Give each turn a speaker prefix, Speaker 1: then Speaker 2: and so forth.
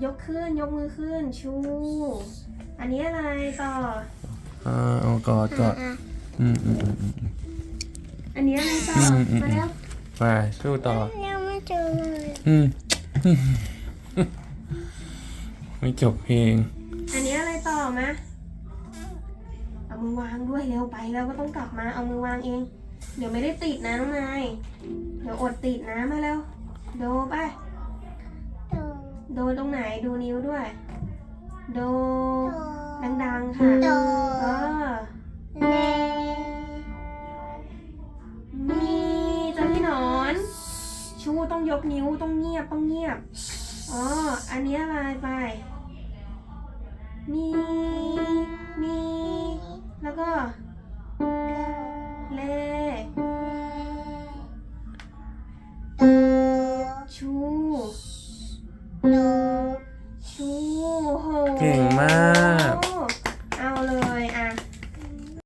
Speaker 1: ยกขึ้นยกมือขึ้นชูอันนี้อะไรต่อ
Speaker 2: เอากอด
Speaker 1: อันนี้อะไรต่อมาแล้ว
Speaker 2: ไปสู้ต่อ
Speaker 3: ยังไม่เจอเลย
Speaker 2: ไม่จบเพลง
Speaker 1: อันนี้อะไรต่อมาเอามือวางด้วยเร็วไปแล้วก็ต้องกลับมาเอามือวางเองเดี๋ยวไม่ได้ติดนะน้องนายเดี๋ยวอดติดนะมาแล้วโดไปโดตรงไหนดูนิ้วด้วยโดดังๆค่ะมีเจ้าพี่หนอนชูต้องยกนิ้วต้องเงียบอันนี้อะไรไปมีแล้วก็เลชูโห
Speaker 2: เก่งมาก